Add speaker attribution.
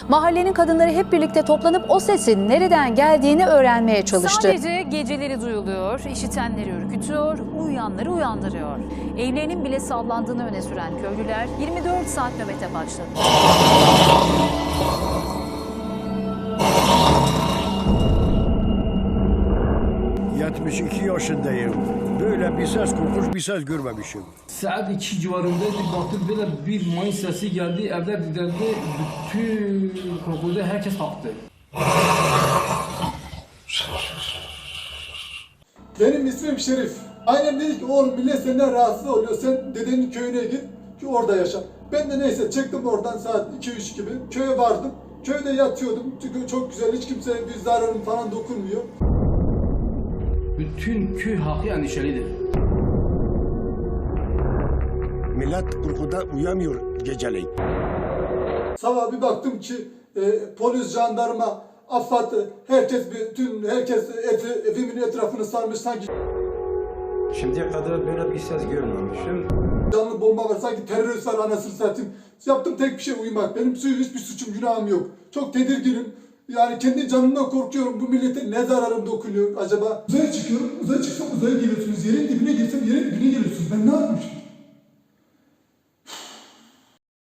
Speaker 1: Mahallenin kadınları hep birlikte toplanıp o sesin nereden geldiğini öğrenmeye çalıştı.
Speaker 2: Sadece geceleri duyuluyor, işitenleri ürkütüyor, uyuyanları uyandırıyor. Evlerinin bile sallandığını öne süren köylüler 24 saat nöbete başladı.
Speaker 3: ...72 yaşındayım. Böyle bir ses korkunç bir ses görmemişim.
Speaker 4: Saat 2 civarındaydı, baktık böyle bir mayın sesi geldi, evler didildi, bütün kokulda herkes kalktı.
Speaker 5: Benim ismim Şerif. Annem dedi ki oğlum millet senden rahatsız oluyor, sen dedenin köyüne git ki orada yaşa. Ben de neyse çıktım oradan saat 2-3 gibi, köye vardım. Köyde yatıyordum çünkü çok güzel, hiç kimseye bir zararım falan dokunmuyor.
Speaker 4: Bütün köy halkı endişelidir.
Speaker 3: Millet korkudan uyamıyor geceleyin.
Speaker 5: Sabah bir baktım ki polis, jandarma, AFAD, herkes evimin etrafını sarmış sanki.
Speaker 6: Şimdiye kadar böyle bir ses görmemişim.
Speaker 5: Canlı bomba var, sanki terörist var anasını satayım. Yaptım tek bir şey, uyumak. Benim hiçbir suçum, günahım yok. Çok tedirginim. Yani kendi canımdan korkuyorum. Bu millete ne zararım dokunuyor acaba? Uzaya çıkıyorum. Uzaya çıksam uzaya geliyorsunuz. Yerin dibine girsem yerin dibine geliyorsunuz. Ben ne yapmışım?